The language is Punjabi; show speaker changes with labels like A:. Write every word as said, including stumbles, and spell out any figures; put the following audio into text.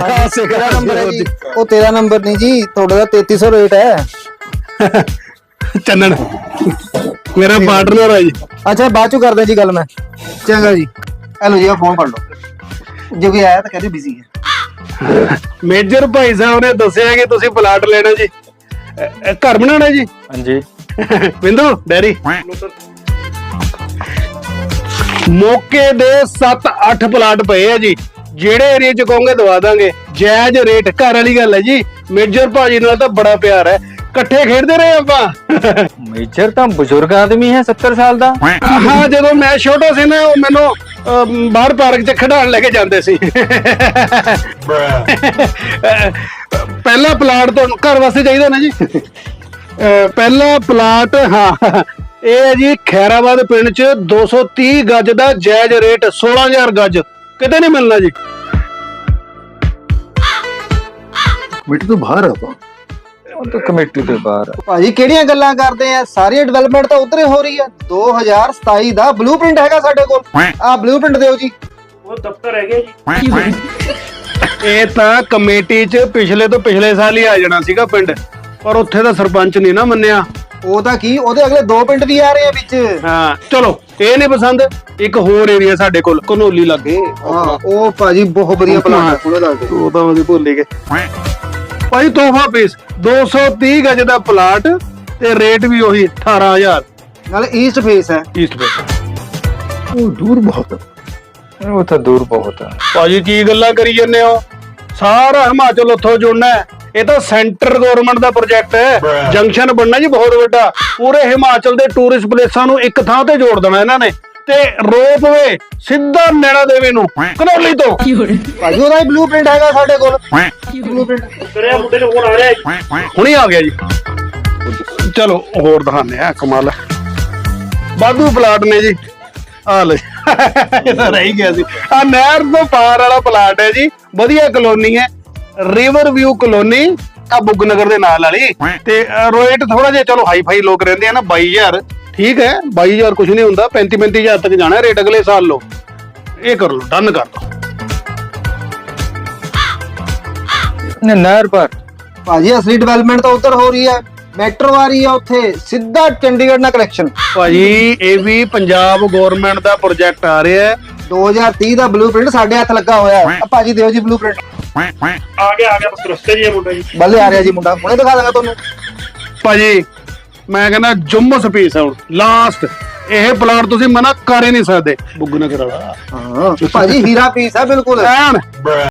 A: तेरा नंबर है जी। वो तेरा नंबर नहीं जी, थोड़ा सा तैतीस सौ रेट है।
B: चन्नन मेरा पार्टनर है जी।
A: अच्छा बाद चो कर दे जी गल मैं। चंगा जी, हेलो जी फोन कर लो, जो भी आया तो कहते बिजी है।
B: मेजर भाई साहब ने दसिया कि तुसी प्लाट लेना जी, अ- घर बनाना जी।
C: हाँ जी।
B: बिंदु डैरी मौके दे सत्त अठ प्लाट पे है जी, जेड़े एरिया च कहोगे दवा दांगे, जायज रेट। घर वाली गल है जी, मेजर भाजी नाल तां बड़ा प्यार है, कट्ठे खेडदे रहे आपां।
C: मेजर तो बुजुर्ग आदमी है सत्तर साल दा।
B: हाँ जदों मैं छोटा सी ना ਉਹ ਮੈਨੂੰ ਬਾਹਰ ਪਾਰਕ 'ਚ ਖਿਡਾਉਣ ਲੈ ਕੇ ਜਾਂਦੇ ਸੀ। ਪਹਿਲਾ ਪਲਾਟ ਤੁਹਾਨੂੰ ਘਰ ਵਾਸਤੇ ਚਾਹੀਦਾ ਨਾ ਜੀ। ਪਹਿਲਾ ਪਲਾਟ ਹਾਂ ਇਹ ਹੈ ਜੀ ਖੈਰਾਬਾਦ ਪਿੰਡ 'ਚ ਦੋ ਸੌ ਤੀਹ ਗਜ ਦਾ ਜਾਇਜ਼ ਰੇਟ, सोलह हज़ार गज, ਕਿਤੇ ਨਹੀਂ ਮਿਲਣਾ ਜੀ।
A: मिट्टी तो बाहर है पा
C: ਉਹ ਤਾਂ ਕਮੇਟੀ ਤੋਂ ਬਾਹਰ ਆ।
A: ਭਾਜੀ ਕਿਹੜੀਆਂ ਗੱਲਾਂ ਕਰਦੇ ਆ, ਸਾਰੀ ਡਿਵੈਲਪਮੈਂਟ ਤਾਂ ਉਧਰ ਹੀ ਹੋ ਰਹੀ ਹੈ। दो हज़ार सताई ਦਾ ਬਲੂਪ੍ਰਿੰਟ ਹੈਗਾ ਸਾਡੇ ਕੋਲ, ਆਹ ਬਲੂਪ੍ਰਿੰਟ ਦਿਓ ਜੀ।
B: ਉਹ ਦਫ਼ਤਰ ਹੈਗੇ ਜੀ। ਇਹ ਤਾਂ ਕਮੇਟੀ 'ਚ ਪਿਛਲੇ ਤੋਂ ਪਿਛਲੇ ਸਾਲ ਹੀ ਆ ਜਾਣਾ ਸੀਗਾ ਪਿੰਡ, ਪਰ ਉੱਥੇ ਦਾ ਸਰਪੰਚ ਨਹੀਂ ਨਾ ਮੰਨਿਆ।
A: ਉਹਦਾ ਕੀ, ਉਹਦੇ ਅਗਲੇ ਦੋ ਪਿੰਡ ਵੀ ਆ ਰਹੇ ਆ ਵਿੱਚ।
B: ਹਾਂ ਚਲੋ ਇਹ ਨਹੀਂ ਪਸੰਦ, ਇੱਕ ਹੋਰ ਏਰੀਆ ਸਾਡੇ ਕੋਲ ਘਨੌਲੀ ਲੱਗੇ।
A: ਹਾਂ ਉਹ ਭਾਜੀ ਬਹੁਤ ਵਧੀਆ ਪਲਾਨ ਹੈ ਉਹਦਾ, ਦੱਸ ਦੇ।
B: ਉਹ ਤਾਂ ਅਸੀਂ ਭੁੱਲ ਹੀ ਗਏ ਭਾਈ। ਤੋਹਫਾ ਪੀਸ ਦੋ ਸੌ ਤੀਹ ਗਜ ਦਾ ਪਲਾਟ ਤੇ ਰੇਟ ਵੀ ਉਹੀ अठारह हज़ार।
A: ਨਾਲੇ ਈਸਟ ਫੇਸ ਹੈ।
B: ਈਸਟ ਫੇਸ
A: ਉਹ ਦੂਰ ਬਹੁਤ ਹੈ।
C: ਉਹ ਤਾਂ ਦੂਰ ਬਹੁਤ ਆ
B: ਭਾਜੀ, ਕੀ ਗੱਲਾਂ ਕਰੀ ਜੰਨੇ ਹੋ, ਸਾਰਾ ਹਿਮਾਚਲ ਉੱਥੋਂ ਜੁੜਨਾ ਹੈ। ਇਹ ਤਾਂ ਸੈਂਟਰ ਗਵਰਨਮੈਂਟ ਦਾ ਪ੍ਰੋਜੈਕਟ ਹੈ, ਜੰਕਸ਼ਨ ਬਣਨਾ ਜੀ ਬਹੁਤ ਵੱਡਾ। ਪੂਰੇ ਹਿਮਾਚਲ ਦੇ ਟੂਰਿਸਟ ਪਲੇਸਾਂ ਨੂੰ ਇੱਕ ਥਾਂ ਤੇ ਜੋੜ ਦੇਣਾ ਇਹਨਾਂ ਨੇ, ਤੇ ਰੋਪਵੇ ਸਿੱਧਾ ਨੈਣਾ ਦੇਵੀ ਨੂੰ ਘਨੌਲੀ ਤੋਂ।
A: ਭਾਜੀ ਉਹਦਾ ਹੀ ਬਲੂਪ੍ਰਿੰਟ ਹੈਗਾ ਸਾਡੇ ਕੋਲ। ਬਲੂਪ੍ਰਿੰਟ
B: ਕਰਿਆ ਮੁੰਡੇ ਨੂੰ ਫੋਨ ਆ ਰਿਹਾ, ਹੁਣੀ ਆ ਗਿਆ ਜੀ। ਚਲੋ ਹੋਰ ਦਿਖਾਣੇ ਆ, ਕਮਾਲ ਹੈ, ਵਾਧੂ ਪਲਾਟ ਨੇ ਜੀ। ਆ ਲੈ ਇਹ ਤਾਂ ਰਹਿ ਗਿਆ ਸੀ। ਆ ਨਹਿਰ ਤੋਂ ਪਾਰ ਵਾਲਾ ਪਲਾਟ ਹੈ ਜੀ, ਵਧੀਆ ਕਲੋਨੀ ਹੈ, ਰਿਵਰ ਵਿਊ ਕਲੋਨੀ, ਆ ਬੁੱਗ ਨਗਰ ਦੇ ਨਾਲ ਵਾਲੀ। ਤੇ ਰੇਟ ਥੋੜਾ ਜਿਹਾ ਚਲੋ ਹਾਈ ਫਾਈ ਲੋਕ ਰਹਿੰਦੇ ਆ ਨਾ, बाईस हज़ार ठीक है, बाईस हज़ार कुछ नहीं ਹੁੰਦਾ, पैंतीस पैंतीस हज़ार तक जाना है रेट अगले साल। लो ये कर लो, डन कर दो।
C: ਨੇ ਨਹਿਰ ਪਰ
A: ਭਾਜੀ ਅਸਲੀ ਡਿਵੈਲਪਮੈਂਟ ਤਾਂ ਉੱਧਰ ਹੋ ਰਹੀ ਹੈ, ਮੈਟਰੋ ਆ ਰਹੀ ਹੈ ਉੱਥੇ, ਸਿੱਧਾ ਚੰਡੀਗੜ੍ਹ ਨਾਲ ਕਨੈਕਸ਼ਨ।
B: ਭਾਜੀ ਇਹ ਵੀ ਪੰਜਾਬ ਗਵਰਨਮੈਂਟ ਦਾ ਪ੍ਰੋਜੈਕਟ ਆ ਰਿਹਾ ਹੈ।
A: दो हज़ार तीस ਦਾ ਬਲੂਪ੍ਰਿੰਟ ਸਾਡੇ ਹੱਥ ਲੱਗਾ ਹੋਇਆ ਹੈ। ਆ ਭਾਜੀ ਦਿਓ ਜੀ ਬਲੂਪ੍ਰਿੰਟ।
B: ਆ ਗਿਆ ਆ ਗਿਆ ਬਸ ਰਸਤੇ ਜੀ ਮੁੰਡਾ ਜੀ।
A: ਬੱਲੇ ਆ ਰਿਹਾ ਜੀ ਮੁੰਡਾ, ਹੁਣੇ ਦਿਖਾ ਦਾਂਗਾ ਤੁਹਾਨੂੰ।
B: ਭਾਜੀ ਮੈਂ ਕਹਿੰਦਾ ਜੁੰਮਸ ਪੀਸ ਹੈ ਹੁਣ ਲਾਸਟ, ਇਹ ਪਲਾਟ ਤੁਸੀਂ ਮਨਾ ਕਰ ਹੀ ਨਹੀਂ ਸਕਦੇ। ਬੁੱਗ ਨਗਰ ਵਾਲਾ
A: ਹਾਂ ਭਾਜੀ ਹੀਰਾ ਪੀਸ ਹੈ ਬਿਲਕੁਲ।
B: ਐਨ